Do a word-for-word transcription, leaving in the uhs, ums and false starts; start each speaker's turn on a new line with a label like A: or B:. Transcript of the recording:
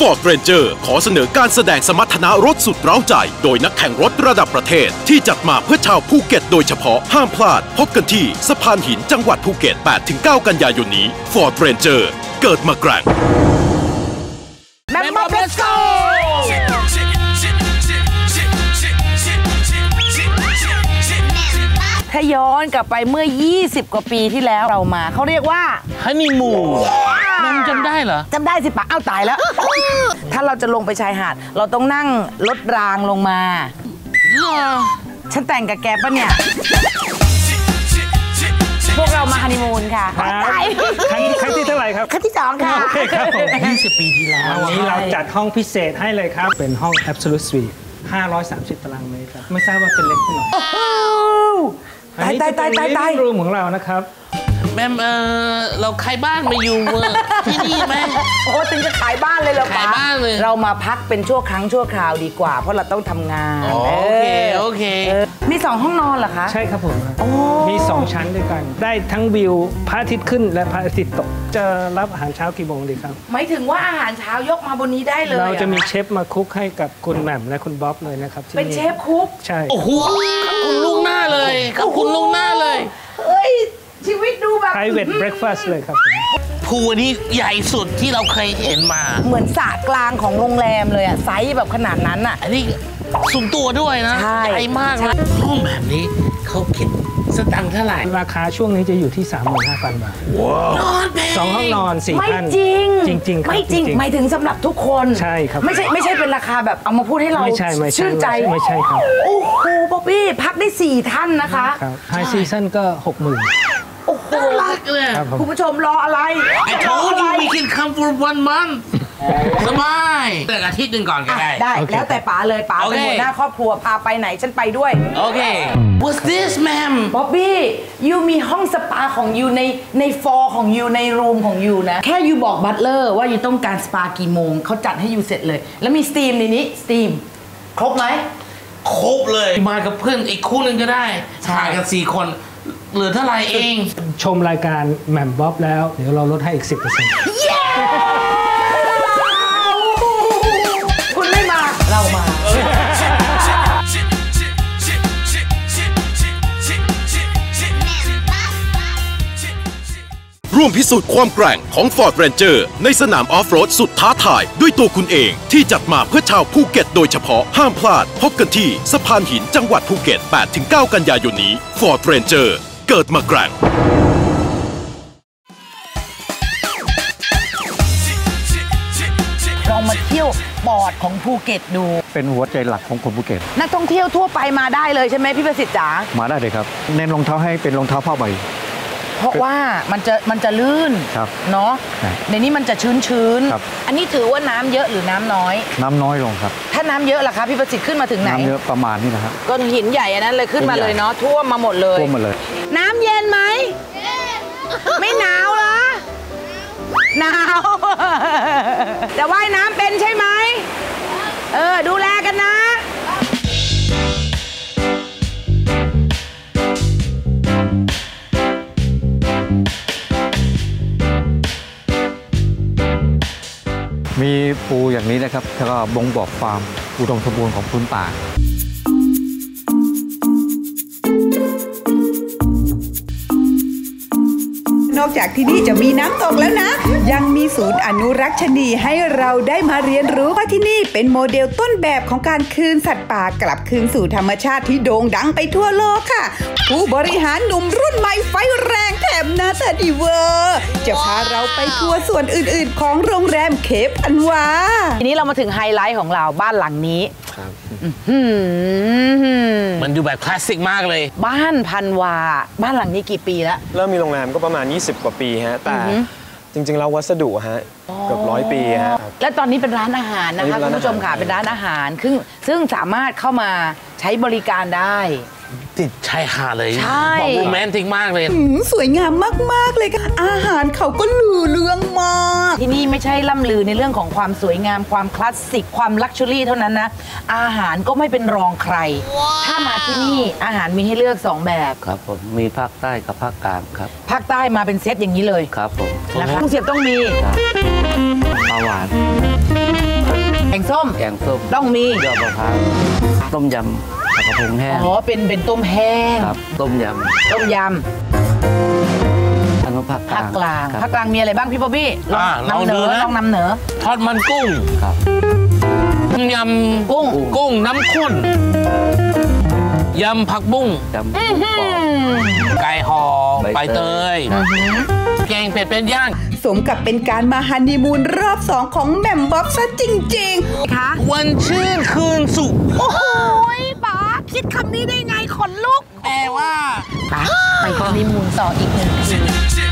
A: Ford Ranger ขอเสนอการแสดงสมรรถนะรถสุดเร้าใจโดยนักแข่งรถระดับประเทศที่จัดมาเพื่อชาวภูเก็ตโดยเฉพาะห้ามพลาดพบกันที่สะพานหินจังหวัดภูเก็ต แปดถึงเก้า กันยายนนี้ Ford Ranger เกิดมาแกร่ง
B: แมมบ๊อบ Let's go ถ้าย้อนกลับไปเมื่อยี่สิบกว่าปีที่แล้วเรามาเขาเรียกว่า
C: ฮันนีมูนแมมจำได้เหรอ
B: จำได้สิปะเอ้าตายแล้ว ถ้าเราจะลงไปชายหาดเราต้องนั่งรถรางลงมาฉันแต่งกับแกปะเนี่ยพวกเรามาฮันนีมูนค่ะ
D: ครั้งที่เท่าไหร่ครับ
B: ครั้งที่สองค่ะ
C: ยี่สิบปีที่แล้ว
D: วันนี้เราจัดห้องพิเศษให้เลยครับเป็นห้อง Absolute Suite ห้าร้อยสามสิบตารางเมตรครับไม่ทราบว่าเป็นเล็กที่ไหน
B: ตายตายตายตายตาย
D: รูมของเรานะครับ
C: แมมเออเราขายบ้านมาอยู่ที่นี่ไหม
B: โอ้ถึงจะขายบ้านเลยเหรอ
C: ขายบ้านเลย
B: เรามาพักเป็นชั่วครั้งชั่วคราวดีกว่าเพราะเราต้องทำงาน
C: โอเคโอเค
B: มีสองห้องนอนเหรอคะ
D: ใช่ครับผมมีสองชั้นด้วยกันได้ทั้งวิวพระอาทิตย์ขึ้นและพระอาทิตย์ตกจะรับอาหารเช้ากี่โมงดีครับ
B: หมายถึงว่าอาหารเช้ายกมาบนนี้ได้เลย
D: เราจะมีเชฟมาคุกให้กับคุณแหม่มและคุณบ๊อบเลยนะครับ
B: เป็นเชฟคุก
D: ใช่
C: โอ้โหคุณลูกหน้าเลยครับคุณลูกหน้าเลย
B: เฮ้ยชีวิตดูแบบ
D: private breakfast เลยครับ
C: พูลนี้ใหญ่สุดที่เราเคยเห็นมา
B: เหมือนสระกลางของโรงแรมเลยอะไซส์แบบขนาดนั้นอะ
C: อันนี้สูงตัวด้วยนะใหญ่มากเลยห้องแบบนี้เขาคิดสตังค์เท่าไหร่
D: ราคาช่วงนี้จะอยู่ที่ สามหมื่นห้าพัน บาท
C: นอนแพง
D: สองห้องนอนสี่ท่าน
B: ไม่จริง
D: จริงๆ
B: ไม่จริงหมายถึงสำหรับทุกคน
D: ใช่ครับ
B: ไม่ใช่ไม่ใช่เป็นราคาแบบเอามาพูดให้เราชื่นใจ
D: ไม่ใช่ครับ
B: โอ้โหบ๊อบบี้พักได้สี่ท่านนะคะ
D: ไฮซีซั่นก็หกหมื่น
B: โอ้โหรักเลยคุณผู้ชมรออะไร
C: I told you we can come for one month สบายแต่อาทิตย์หนึ่งก่อนก็ได้
B: ได้แล้วแต่ป๋าเลยป๋าเป็นหัวหน้าครอบครัวพาไปไหนฉันไปด้วย
C: โอเค What's this ma'am
B: บ๊อบบี้ยูมีห้องสปาของยูในในฟอร์ของยูในรูมของยูนะแค่ยูบอกบัตเลอร์ว่ายูต้องการสปากี่โมงเขาจัดให้ยูเสร็จเลยแล้วมีสตีมในนี้สตีมครบไหม
C: ครบเลยมากับเพื่อนอีกคู่หนึ่งก็ได้ถ่ายกันสี่คนเหลือเท่าไรเอง
D: ชมรายการแหม่มบ๊อบแล้วเดี๋ยวเราลดให้อีก สิบเปอร์เซ็นต์
B: คุณไม่มาเรามา
A: ร่วมพิสูจน์ความแกร่งของ Ford Ranger ในสนามออฟโรดสุดท้าทายด้วยตัวคุณเองที่จัดมาเพื่อชาวภูเก็ตโดยเฉพาะห้ามพลาดพบกันที่สะพานหินจังหวัดภูเก็ต แปดถึงเก้า กันยายนนี้ Ford Ranger เกิดมาแกร่ง
B: ลองมาเที่ยวปอดของภูเก็ตดู
D: เป็นหัวใจหลักของคนภูเก็ต
B: นักท่องเที่ยวทั่วไปมาได้เลยใช่ไหมพี่ประสิทธิ์จ๋า
D: มาได้เลยครับเน้นรองเท้าให้เป็นรองเท้าผ้าใบ
B: เพราะว่ามันจะมันจะลื่นเนาะในนี้มันจะชื้นชื้นอันนี้ถือว่าน้ำเยอะหรือน้ำน้อย
D: น้ำน้อยลงครับ
B: ถ้าน้ำเยอะล่ะคะพี่ประสิทธิ์ขึ้นมาถึงไหน
D: น้ำเยอะประมาณนี้นะครับ
B: ก้อนหินใหญ่อันนั้นเลยขึ้นมาเลยเนาะท่วมมาหมดเลย
D: ท่วมหมดเลย
B: น้ำเย็นไหมไม่หนาวเหรอหนาวแต่ว่ายน้ำเป็นใช่ไหมเออดูแลกันนะ
D: มีปูอย่างนี้นะครับแล้วก็บ่งบอกความอุดมสมบูรณ์ของพื้นป่าน
E: อกจากที่นี่จะมีน้ำตกแล้วนะยังมีศูนย์อนุรักษ์ชนีให้เราได้มาเรียนรู้ว่าที่นี่เป็นโมเดลต้นแบบของการคืนสัตว์ป่ากลับคืนสู่ธรรมชาติที่โด่งดังไปทั่วโลกค่ะผู้บริหารหนุ่มรุ่นใหม่ไฟแรงแถมหน้าตาดีเวอร์จะพาเราไปทัวร์ส่วนอื่นๆของโรงแรมเคปพันวา
B: ทีนี้เรามาถึงไฮไลท์ของเราบ้านหลังนี้
C: มันดูแบบคลาสสิกมากเลย
B: บ้านพันวาบ้านหลังนี้กี่ปีแล้ว
F: เริ่มมีโรงแรมก็ประมาณยี่สิบกว่าปีฮะแต่จริงๆแล้ววัสดุฮะเกือบร้อยปีฮะ
B: และตอนนี้เป็นร้านอาหารนะคะคุณผู้ชมค่ะเป็นร้านอาหารซึ่งซึ่งสามารถเข้ามาใช้บริการได้
C: ติดชายหาดเลยบอกโรแมนติกมากเลย
E: สวยงามมากๆเลยค่ะอาหารเขาก็ลือเรื่องมาก
B: ที่นี่ไม่ใช่ล่ำลือในเรื่องของความสวยงามความคลาสสิกความลักชัวรี่เท่านั้นนะอาหารก็ไม่เป็นรองใคร ถ้ามาที่นี่อาหารมีให้เลือกสองแบบ
G: ครับผมมีภาคใต้กับภาคกลางครับ
B: ภาคใต้มาเป็นเซตอย่างนี้เลย
G: ครับผม
B: นะคะกุ้งเสียบต้องมี
G: ปลาหวาน
B: ส้ม
G: แกงส้ม
B: ต้องมี
G: ยอดมะพร้าวต้มยำผักกระพงแห้ง
B: อ๋อเป็นเป็นต้มแห้ง
G: ครับต้มย
B: ต้มย
G: ำอันนู้นภาค
B: ำ
G: กลา
B: ภาค
G: ง
B: กลาง
G: ครับ
B: ภาคกลางมีอะไรบ้างพี่บ๊อบบี้ล
C: อ่า
B: อง
C: ลอง
B: นำเหน
C: ดู
B: อ
C: นะ
B: ลองนำเหนอ
C: ทอดมันกุ้ง
G: ครับ
C: ยำ
B: กุ้ง
C: กุ้งน้ำข้นยำผักบุ้ง
G: ยำกุ้งกรอบ
C: ไก่ห่อ
G: ใบ
C: ใบ
G: เต
C: เต
G: ย
C: ย แกงเป็ดเป็นย่าง
E: สมกับเป็นการมาฮันนีมูนรอบสองของแหม่มบ๊อบซะจริงๆ
B: คะ
C: วันชื่นคืนสุข
B: โอ้โหป๋าคิดคำนี้ได้ไงขนลุก
C: แปลว่า
B: ป๋าไปฮันนีมูนต่ออีกหนึ่ง